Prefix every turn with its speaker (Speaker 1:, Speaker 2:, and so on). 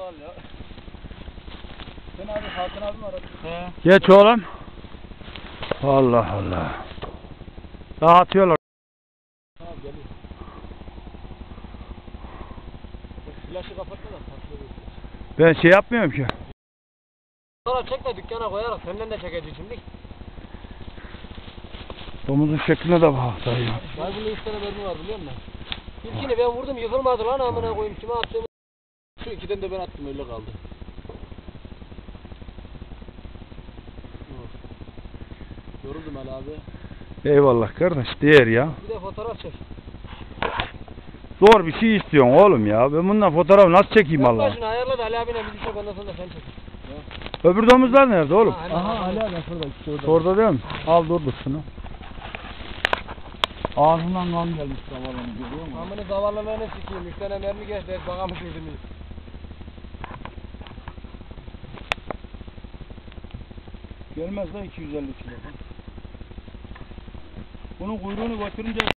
Speaker 1: al ya. Sen abi Hakan abi mi aradın? He.
Speaker 2: Geç oğlum. Allah Allah. Dağıtıyorlar.
Speaker 1: Tamam geliyor. Flaşı kapatma da patlıyor.
Speaker 2: Ben şey yapmıyorum ki.
Speaker 1: Sonra çek de dükkana koyarak senden de çekeceğiz şimdi.
Speaker 2: Domuzun şekline de bak dayı.
Speaker 1: Var bunda 3 tane mermi var biliyor musun? İlkini ben vurdum yıkılmadı lan amına koyayım kime attım. Şu ikiden de ben attım öyle kaldı. Yoruldum Ali abi.
Speaker 2: Eyvallah kardeş değer ya.
Speaker 1: Bir de fotoğraf çek.
Speaker 2: Zor bir şey istiyorsun oğlum ya. Ben bundan fotoğraf nasıl çekeyim
Speaker 1: Yok
Speaker 2: Allah?
Speaker 1: başını ayarla da Ali abine bizi çek ondan sonra da sen çek.
Speaker 2: Öbür domuzlar nerede oğlum?
Speaker 1: Aha Ali abi şurada işte orada.
Speaker 2: Orada değil mi? Al dur şunu.
Speaker 1: Ağzından kan gelmiş zavallını görüyor musun? Amını zavallılığını sikeyim. 3 tane mermi geçti. Bana mı sürdünüz?
Speaker 2: Gelmez lan 250 kilo. Bunun kuyruğunu götürünce